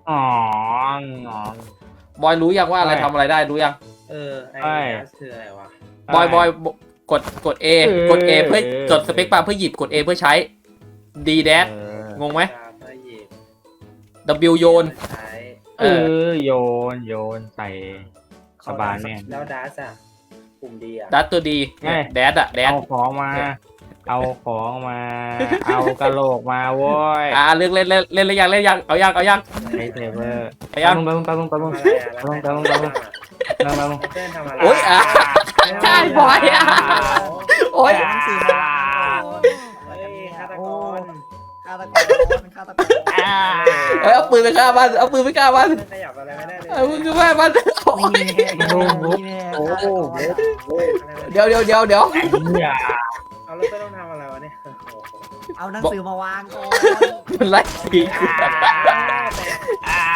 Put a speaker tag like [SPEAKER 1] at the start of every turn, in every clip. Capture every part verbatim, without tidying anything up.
[SPEAKER 1] อ๋อ
[SPEAKER 2] บอยรู้ยังว่าอะไร
[SPEAKER 1] ใช่
[SPEAKER 2] ทำอะไรได้รู้ยัง
[SPEAKER 3] เออไอ้
[SPEAKER 1] ใช่
[SPEAKER 3] แอสคืออะไรวะ
[SPEAKER 2] บอยบอยกดกด A
[SPEAKER 1] เออก
[SPEAKER 2] ด A เพื่อ
[SPEAKER 1] เออ
[SPEAKER 2] กดสเปคบาร์เพื่อหยิบกด A เพื่อใช้ D แดช
[SPEAKER 1] เออง
[SPEAKER 2] งไหม
[SPEAKER 3] ตามเพื่อหยิบ
[SPEAKER 2] W โยน
[SPEAKER 3] ใช้
[SPEAKER 1] เออโยนโยนใส่กระบาลแม่ง
[SPEAKER 3] แล้วดัสอะกลุ่มดีอะ
[SPEAKER 2] ดัตตัวดี
[SPEAKER 1] ไง
[SPEAKER 2] แดดอะแดด
[SPEAKER 1] เอาของมา เอาของมา เอากระโหลกมาโว้ย
[SPEAKER 2] อ่าเลือกเล่นเล่นเล่นเล่นยังเล่นยังเอายังเอายัง
[SPEAKER 1] ไอเซเวอร์
[SPEAKER 2] เอายัง
[SPEAKER 1] ตะลุงตะลุงตะลุง
[SPEAKER 3] ทำ
[SPEAKER 1] ตะลุง
[SPEAKER 3] อะไรอะ
[SPEAKER 1] ตะลุงตะลุงตะลุงตะลุง
[SPEAKER 3] เต้นทำอะไร
[SPEAKER 2] โอ๊ยอ่ะ ใช่บอยอะ โอ๊ย
[SPEAKER 4] หนังสือมาวางโอ้ย
[SPEAKER 3] เฮ้ยฆาตกร
[SPEAKER 4] ฆาตกรฆาตกร
[SPEAKER 1] อ่า
[SPEAKER 2] เอ้ยเอาปืนไปฆ่ามันเอาปืนไปฆ่ามัน
[SPEAKER 3] ไม่ขยับอะไรไม่ได้เลย
[SPEAKER 2] เอาปืนไปฆ่ามันโอ๊ย
[SPEAKER 4] นี่แน่นี่แน่ฆาตกร
[SPEAKER 2] เดี๋ยวเดี๋ยวเดี๋ยวเดี๋ยว
[SPEAKER 1] เนี่ย
[SPEAKER 3] เอาแล้วเต้นต้องทำอะไรวะเนี่ยโอ้โห
[SPEAKER 4] เอาหนังสือมาวางก่อน
[SPEAKER 2] มันไล่ผี
[SPEAKER 1] อ่า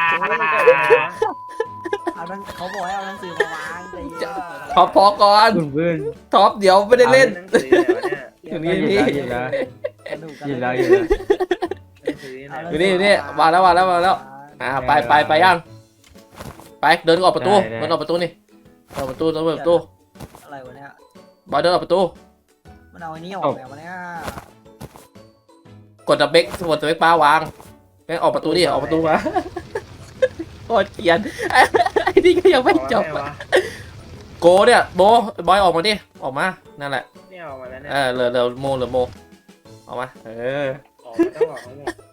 [SPEAKER 4] เอาหนังเขาบอกให้เอาหนังสือมาวางใจเย็น
[SPEAKER 2] ท็อปพอก่อน
[SPEAKER 1] คุณเพื่อน
[SPEAKER 2] ท็อปเดี๋ยวไม่ได้เล่น
[SPEAKER 3] หนังสืออะไรวะเนี่ย
[SPEAKER 2] อยู่นี่
[SPEAKER 1] หยิบแล้วหยิบแล้ว
[SPEAKER 4] สนุกกัน
[SPEAKER 1] หยิบแล้วหยิบแล้ว
[SPEAKER 3] หนังสือไหน
[SPEAKER 2] อยู่นี่อยู่นี่มาแล้วมาแล้วมาแล้ว อ่าไปไปไปยังไปเดินออกประตูเดินออกประตูนี่ออกประตูเดินออกประตู
[SPEAKER 4] อะไรวะเนี่ย
[SPEAKER 2] บอยเดินออกประตู
[SPEAKER 4] มันเอาไอ้นี่ออกแล้ววะเนี่ย
[SPEAKER 2] กดดับเบกกดดับเบกป้าวางแม่งออกประตูดิออกประตูมาโคตรเกลียนไอ้นี่ก็ยังไม่จบ
[SPEAKER 3] ออกมาไงวะ
[SPEAKER 2] โกเนี่ยโบบอยออกมาดิออกมานั่นแหละ
[SPEAKER 3] เนี่ยออกมาแล้วเนี่ย
[SPEAKER 2] เออเหลือเหลือโมเหลือโมออกมาเออ
[SPEAKER 3] ออกมาต้องออกทั้งหมด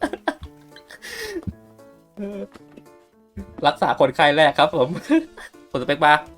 [SPEAKER 2] รักษาคนไข้แรกครับผมกดสเปกบาร์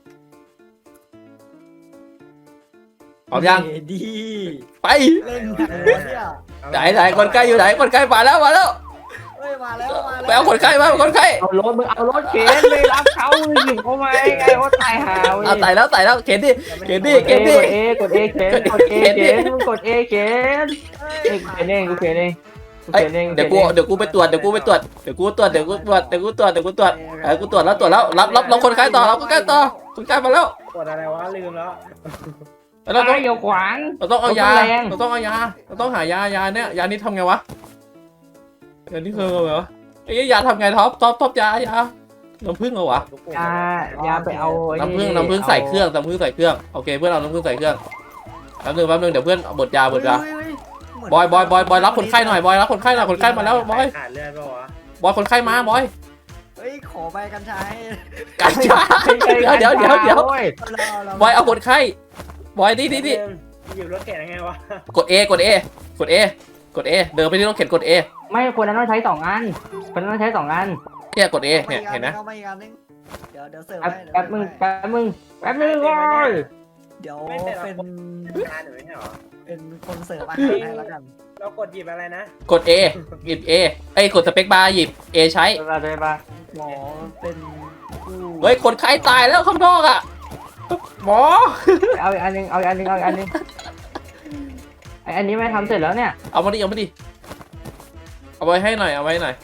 [SPEAKER 2] พร้อมยัง
[SPEAKER 4] ดี
[SPEAKER 2] ไป
[SPEAKER 4] เล่นหนังหัวเนี่ย
[SPEAKER 2] ไหนไหนคนไข้อยู่ไหนคนไข้มาแล้วมาแล้ว
[SPEAKER 4] เฮ้ยมาแล้วมาแล้ว
[SPEAKER 2] ไปเอาคนไข้มาเอาคนไข้
[SPEAKER 1] เอารถมึงเอารถเข็นเลยรับเขาหยิบเขามาไงว่าตายหา
[SPEAKER 2] เอาไต่แล้วไต่แล้วเข็นดิ เกมดิ
[SPEAKER 1] กดเอกดเอเข็นกดเอเข็นมึงกดเอเข็นเอเข็นเองกูเข็นเองกู
[SPEAKER 2] เอ้ย
[SPEAKER 1] เข็นเอง
[SPEAKER 2] เดี๋ยวกูเดี๋ยวกูไปตรวจเดี๋ยวกูไปตรวจเดี๋ยวกูตรวจเดี๋ยวกูตรวจเดี๋ยวกูตรวจเดี๋ยวกูตรวจเออกูตรวจแล้วตรวจแล้วรับรับรับคนไข้ต่อรับคนไข้ต่อคนไข้มาแล้ว
[SPEAKER 3] กดอะไรวะลืมแล้ว
[SPEAKER 2] เราต้อง
[SPEAKER 1] ไอ้เดี๋ยวขวาง
[SPEAKER 2] เราต้องเอายา
[SPEAKER 1] แรง
[SPEAKER 2] เราต้องเอายาเราต้องหายายาเนี่ยยานี้ทำไงวะยานี้คือไงวะไอ้ยาทำไงท็อปท็อปท็อปยายาน้ำผึ้งเหรอวะ
[SPEAKER 1] ยา ยาไปเอาไอ้
[SPEAKER 2] น้ำผึ้งน้ำผึ้งใส่เครื่องน้ำผึ้งใส่เครื่องโอเคเพื่อนเอาน้ำผึ้งใส่เครื่องแป๊บนึงแป๊บนึงเดี๋ยวเพื่อนบดยาบดยา
[SPEAKER 4] เฮ้ยเฮ้ยเหมืน
[SPEAKER 2] บอยบอยบอยบอยรับคนไข้หน่อยบอยรับคนไข้หน่อยคนไข้มาแล้วบอย
[SPEAKER 3] ขาดเลือดป่าวะ
[SPEAKER 2] บอยคนไข้มาบอย
[SPEAKER 4] เฮ้ยขอใบกัญชาให้
[SPEAKER 2] กัญชาเดี๋ยวเดี๋ยวเดี๋ยวเดี๋ยว
[SPEAKER 1] โอ้ย
[SPEAKER 4] เราเรา
[SPEAKER 2] บอยเอาคนไข้บอยนี่นี่นี่
[SPEAKER 3] หยิบรถเข็นยังไงวะ
[SPEAKER 2] กด A กด A กด A กด A เดินไปที่รถเข็นกด A
[SPEAKER 1] ไม่คนนั้นต้องใช้สองอันคนนั้นต้องใช้สองอัน
[SPEAKER 2] เนี่ยกด A เนี่ยเห็นไหม
[SPEAKER 4] อามาอีกอันนึงเดี๋ยวเดี๋ยวเสิร์ฟ
[SPEAKER 1] แป๊บ
[SPEAKER 4] ให้เดี๋ยว
[SPEAKER 1] แป๊บมึง
[SPEAKER 4] เสิร์ฟให้
[SPEAKER 1] แป๊บมึงแป๊บมึงโอ้ย
[SPEAKER 4] เดี๋ยว
[SPEAKER 3] ไม่แต่ละ
[SPEAKER 4] เป็น
[SPEAKER 3] งานหรือไม่ใช่หรอ
[SPEAKER 4] เป็นคนเสิร์ฟอาหารให้แล้วกัน
[SPEAKER 3] เรากดหยิบอะไรนะ
[SPEAKER 2] กด A หยิบ A เอ้ยกดสเปคบาร์หยิบ A ใช้
[SPEAKER 1] ไปไปไป
[SPEAKER 4] หมอเป็นผู้
[SPEAKER 2] เฮ้ยคนไข้ตายแล้วข้างนอกอ่ะหมอ
[SPEAKER 1] เอาอีกอันหนึงเอาอีกอันหนึงเอาอีกอันหนึงไออันนี้ไม่ทำเสร็จแล้วเนี่ย
[SPEAKER 2] เอามาดิเอามาดิเอาไว้ให้หน่อยเอาไว้ให้หน่อย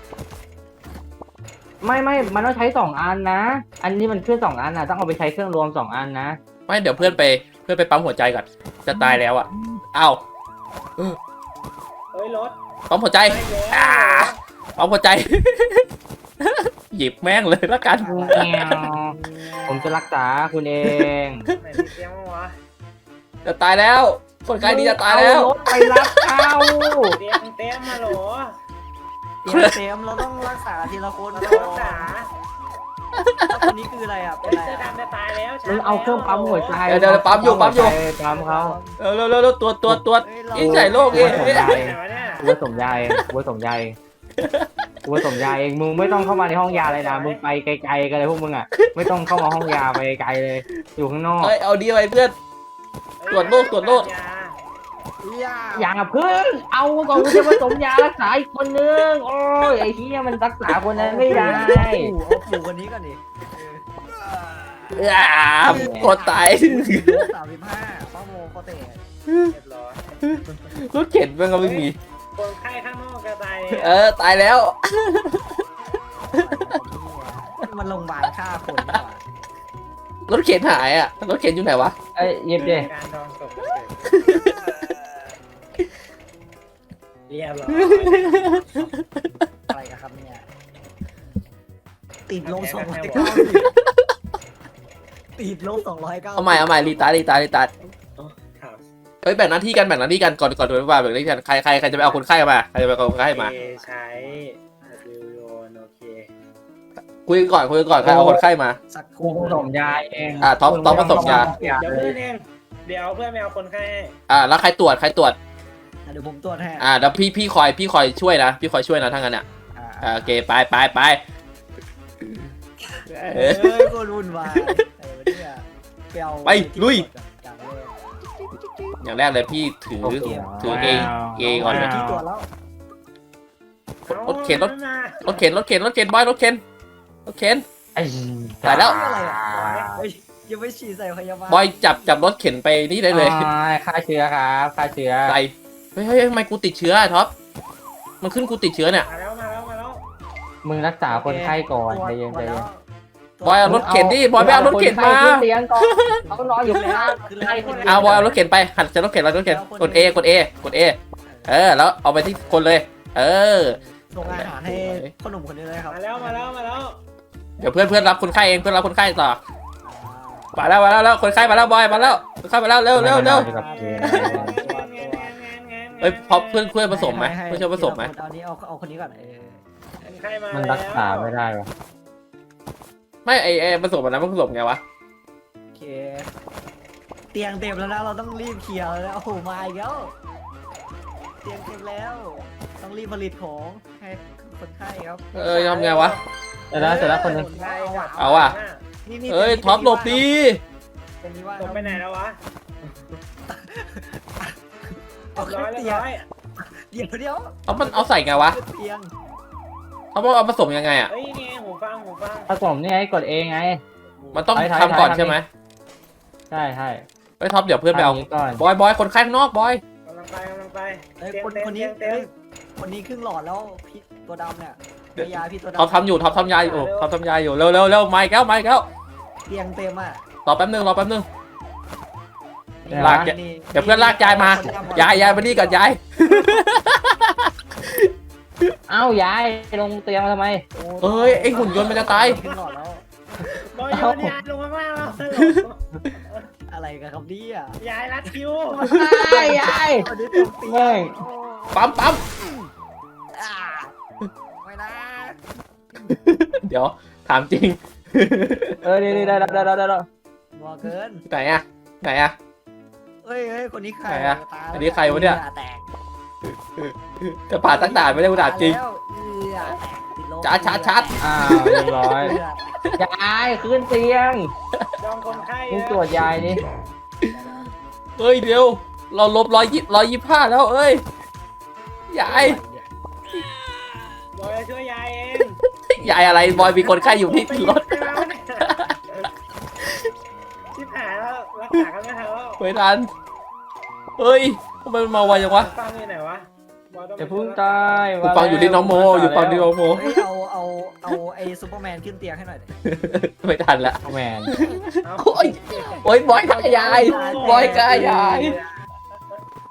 [SPEAKER 1] ไม่ไม่มันต้องใช้สองอันนะ อันนี้มันเครื่องสองอันนะต้องเอาไปใช้เครื่องรวมสองอันนะ
[SPEAKER 2] ไม่เดี๋ยวเพื่อนไปเพื่อนไปปั๊มหัวใจก่อนจะตายแล้วอ่ะเอ้า
[SPEAKER 3] เฮ้ยรถ
[SPEAKER 2] ปั๊มหัวใจ
[SPEAKER 3] ไม่แล้ว
[SPEAKER 2] อ่าปั๊มหัวใจ หยิบแม่งเลยละกัน
[SPEAKER 1] ผมจะรักษาคุณเอง
[SPEAKER 3] ไหนมีเตี้ยมั้งวะ
[SPEAKER 2] จะตายแล้ว คนไข้นี้จะตายแล้ว
[SPEAKER 1] เอรถไปรับเขา
[SPEAKER 3] เตี้ยมเตี้ยมมาโหล
[SPEAKER 4] เตรียมเตรียมเราต้องรักษาทีละคน
[SPEAKER 3] เรา
[SPEAKER 4] ก่
[SPEAKER 3] ต้องรักษา
[SPEAKER 4] แล้วคนนี้คืออะไรอ่ะเป็น
[SPEAKER 3] เฮ้ย
[SPEAKER 4] อะไร
[SPEAKER 3] เสื้อ
[SPEAKER 4] อ่ะ
[SPEAKER 3] ดำจะตายแล้ว
[SPEAKER 1] มึงเอาเครื่องปั๊มหัวใจ
[SPEAKER 2] เดี๋ยวเดี๋ยวปั๊มอยู่ปั๊มอยู่
[SPEAKER 1] ปั๊มเขา
[SPEAKER 2] เร็วเร็วเร็วเร็วตรวจตรวจตรวจ
[SPEAKER 4] เฮ้ยเรา
[SPEAKER 2] ยิ่งใหญ่โลกเอง
[SPEAKER 1] ผมใหญ่
[SPEAKER 3] ไหนวะเนี่ย
[SPEAKER 1] กูผสมยาเองกูผสมยาเองกูผสมยาเองมึงไม่ต้องเข้ามาในห้องยาเลยนะมึงไปไกลๆกันเลยพวกมึงอ่ะไม่ต้องเข้ามาห้องยาไปไกลเลย อยู่ข้างนอก
[SPEAKER 2] เอ้ยเอาดีไปเพื่อน ตรวจโรคตรวจโรค
[SPEAKER 4] ย่า
[SPEAKER 1] อย่าเพิ่งเอาก่อนกูจะผสมยารักษาอีกคนนึงโอ้ยไอ้เหี้ยมันรักษาคนนั้นไม่ได้
[SPEAKER 4] ปู่เอาปู่คนนี้ก่อนดิ
[SPEAKER 2] อ่ากดตาย
[SPEAKER 4] สามสิบห้าป้าโมเขาเตะ
[SPEAKER 3] เรียบร้อย
[SPEAKER 2] รถเข็นมันก็ไม่มี
[SPEAKER 3] คนไข้ข้างนอกก็ตาย
[SPEAKER 2] เออตายแล้ว
[SPEAKER 4] มันโรงพยาบาลฆ่าคนดีกว่าร
[SPEAKER 2] ถเข็นหายอ่ะรถเข็นอยู่ไหนวะ
[SPEAKER 1] ไอ้ยเย็บดิ
[SPEAKER 3] การดองศพเรียบร้อย
[SPEAKER 4] อะไรกันครับเนี่ยติดลบสองร้อยเก้าติดลบสองร้อยเก้า
[SPEAKER 2] เอาใหม่เอาใหม่รีตาร์ทรีตาร์ทรีตาร์ท
[SPEAKER 3] ถาม
[SPEAKER 2] เฮ้ยแบ่งหน้าที่กันแบ่งหน้าที่กันก่อนก่อนโดยว่าแบ่งหน้าที่กันใครใครใครจะไปเอาคนไข้มาใครจะไปเอาคนไข้มา
[SPEAKER 3] เอใช้ W โยนโอเค
[SPEAKER 2] คุยกันก่อนคุยกันก่อนใครเอาคนไข้มา
[SPEAKER 4] สักค
[SPEAKER 1] กู
[SPEAKER 4] รู่
[SPEAKER 1] ผสมยาเอง
[SPEAKER 2] อ่ะท็อปท็อปผสมยา
[SPEAKER 3] เดี๋ยวเพื่อนเองเดี๋ยวเพื่อนไม่เอาคนไข้ให้
[SPEAKER 2] อ่าแล้วใครตรวจใครตรวจ
[SPEAKER 4] เดี๋ยวผมตรวจให้
[SPEAKER 2] อ่าเดี๋ยวพี่พี่คอยพี่คอยช่วยนะพี่คอยช่วยนะทั้างนั้นอ่ะอ่าโอเคไปไปไป
[SPEAKER 4] เอ้ยโคตรวุ่นวายไอ้วะเนี่ยไปเอา
[SPEAKER 2] ไปลุย
[SPEAKER 4] อย่างแรก
[SPEAKER 2] อย่างแรกเลยพี่ถือถือเอเอก่อนเลย
[SPEAKER 4] ที่ตรวจแล้ว
[SPEAKER 2] รถเข็นรถ รถเข็นรถเข็นรถเข็นบอยรถเข็นรถเข็น
[SPEAKER 1] ไอ้
[SPEAKER 2] ตายแล้ว
[SPEAKER 4] อะไรอ่ะเฮ้ยยังไม่ฉีดใส่พยาบาล
[SPEAKER 2] บอยจับจับรถเข็นไปนี่ได้เลย
[SPEAKER 1] อ๋อฆ่าเชื้อครับฆ่าเชื้อ
[SPEAKER 2] ใส่เฮ้ยเฮ้ยทำไมกูติดเชื้ออะท็อปมันขึ้นกูติดเชื้อเนี่ย
[SPEAKER 3] มาแล้วมาแล้วมาแล้ว
[SPEAKER 1] มึงรักษาคนไข้ก่อนใจเย็นใจเย็น
[SPEAKER 2] บอยเอารถเข็นดิบอยไม่เอารถเข็นมา
[SPEAKER 1] ขึ้นเตียงก่อนเขานอนอยู่ข้างล่าง
[SPEAKER 2] เอาบอยเอารถเข็นไปหันจะรถเข็นเรารถเข็นกด A กด A กด A เออแล้วเอาไปที่คนเลย เออ
[SPEAKER 4] ส่งอาหารให้ขนมคนนี้เลยครับ
[SPEAKER 3] มาแล้วมาแล้วมาแล้ว
[SPEAKER 2] เดี๋ยวเพื่อนเพื่อนรับคนไข้เองเพื่อนรับคนไข้ต่อมาแล้วมาแล้วแล้วคนไข้มาแล้วบอยมาแล้วคนไข้มาแล้วเร็วเร็วเร็วเฮ้ยพอเพื่อนเพื่อนผสมไหมเพื่อนช่วยผสมไหม
[SPEAKER 4] เอานี้เอาเอาคนนี้ก่อนเออ
[SPEAKER 3] คนไข้มา
[SPEAKER 1] มัน
[SPEAKER 3] แล้ว
[SPEAKER 1] รักษาไม่ได้วะ
[SPEAKER 2] ไม่ไอไอผสมอันนั้นมันผสมไงวะ
[SPEAKER 4] โอเคเตียงเต็มแล้วนะเราต้องรีบเคลียร์แล้วโอ้โหมาอีกแล้วเตียงเต็มแล้วต้องรีบผลิตของให้คนไข้ครับ
[SPEAKER 2] เออทำไงวะ
[SPEAKER 1] เสร็จแล้วเสร็จแล้วคนหนึง
[SPEAKER 3] ใช่ครับ
[SPEAKER 2] เอาว่ะ
[SPEAKER 4] นี่นี่
[SPEAKER 2] เอ้ยท็อปหลบดี
[SPEAKER 4] เป็นนี้ว่า
[SPEAKER 3] ตกไปไหนแล้ววะ
[SPEAKER 4] เอา
[SPEAKER 3] ร้
[SPEAKER 4] ขึ้
[SPEAKER 3] อน ย
[SPEAKER 4] เตี
[SPEAKER 3] เรี
[SPEAKER 4] ย
[SPEAKER 3] ย
[SPEAKER 4] ง
[SPEAKER 3] บร้อย
[SPEAKER 4] เดี๋ยวเดี๋ยว
[SPEAKER 2] เอามันเอาใส่ไงวะ
[SPEAKER 4] ขึ้นเตียง
[SPEAKER 2] เขาบอกเอาผสมยังไงอ่ะ
[SPEAKER 3] เฮ้ยนี่ไงหูฟังหูฟัง
[SPEAKER 1] ผสมนี่ไงกดเองไง
[SPEAKER 2] มันต้อง
[SPEAKER 1] ถ่ายถ่าย
[SPEAKER 2] ทำก่อน
[SPEAKER 1] ถ่าย
[SPEAKER 2] ใช่ไหม
[SPEAKER 1] ใช่ใช่
[SPEAKER 2] เฮ้ยท็อปเดี๋ยวเพื่อนไปเอา
[SPEAKER 1] ทำย่งนี้ก่อน
[SPEAKER 2] บอยบอยคนไข้ข้างนอกบอย
[SPEAKER 3] กำลังไปกำลังไป
[SPEAKER 4] เอ้ย
[SPEAKER 3] เตียง
[SPEAKER 4] คน
[SPEAKER 3] เต็ม
[SPEAKER 4] คนนี้
[SPEAKER 3] เตียงเต็
[SPEAKER 4] เอ้
[SPEAKER 3] ม
[SPEAKER 4] ยคนนี้ครึ่งหลอดแล้วพี่ตัวดำเนี่ยพยาพี่ตัวดำ
[SPEAKER 2] ท็อปทำอยู่ท็อปทำยาอยู่ท็อปทำยาอยู่เร็วเร็วเร็วไม่แก้วไม่แก้ว
[SPEAKER 4] เตียงเต็มอ่ะ
[SPEAKER 2] รอแป๊บนึงรอแป๊บนึง
[SPEAKER 4] นี่
[SPEAKER 2] ลาก
[SPEAKER 4] นี่
[SPEAKER 2] เดี๋ยวเพื่อนลากยายมา
[SPEAKER 4] คนดำ
[SPEAKER 2] ยายยายมานี่ก่อนยาย
[SPEAKER 1] เอ้ายายลงเตียงมาทำไม
[SPEAKER 2] เอ้ยไอหุ่นยนต์มันจะตาย
[SPEAKER 4] ครึ่งหลอดแล้ว
[SPEAKER 3] บอยโยนยาลงมาบ้างแล้ว
[SPEAKER 4] อะไรกันครับเนี่ย
[SPEAKER 3] ยายรัดคิว
[SPEAKER 1] ยายยาย
[SPEAKER 4] คนนี้เต็มเตีย
[SPEAKER 1] แม่
[SPEAKER 4] ง
[SPEAKER 1] ง
[SPEAKER 2] ปั๊มปั๊ม
[SPEAKER 4] อ่าไม่นะ
[SPEAKER 2] เดี๋ยวถามจริง
[SPEAKER 1] เออนี่นี่ได้ได้ได้ได้ได้
[SPEAKER 4] บัวเกิน
[SPEAKER 2] ไหนอะไหนอะ
[SPEAKER 4] เอ้ยเอ้ยคนนี้ใคร
[SPEAKER 2] ไหนอะ
[SPEAKER 4] ตาย
[SPEAKER 2] อันนี้ใครวะเนี่ย
[SPEAKER 4] หงื่อแตก
[SPEAKER 2] จะผ่าตั้งด่านไม่ได้กูถามจริง
[SPEAKER 4] แล้วเหงื่อแตกติดลม
[SPEAKER 2] ชัดชัดชัด
[SPEAKER 1] อ้าวเรียบร้อย
[SPEAKER 4] เหงื่อแตก
[SPEAKER 1] ยายขึ้นเตียง
[SPEAKER 3] จองคนไข้
[SPEAKER 1] มึงตรวจยายนี่
[SPEAKER 2] เฮ้ยเดี๋ยวเราลบร้อยยี่ร้อยยี่ห้าแล้วเอ้ยยาย
[SPEAKER 3] บอยจะช่วยยายเอง
[SPEAKER 2] ยายอะไรบอยมีคนไข้อยู่ที่รถ
[SPEAKER 3] ชิบหายแล้วรักษากันไม่ทันแล้ว
[SPEAKER 2] ไม่ทันเฮ้ยทำไมมันมาไวจังวะ
[SPEAKER 3] ฟังอยู่ไหนวะบอยต้อง
[SPEAKER 1] จะพึ่งตาย
[SPEAKER 2] กูฟังอยู่ที่น้องโมอยู่ฟังที่น้องโม
[SPEAKER 4] เฮ้ยเอาเอาเอาไอ้ซูเปอร์แมนขึ้นเตียงให้หน่อยดิ
[SPEAKER 2] ไม่ทันละ
[SPEAKER 1] แมน
[SPEAKER 3] เอา
[SPEAKER 2] โอ้ยโอ้ยบอยกายยายบอยกายยาย
[SPEAKER 4] เออ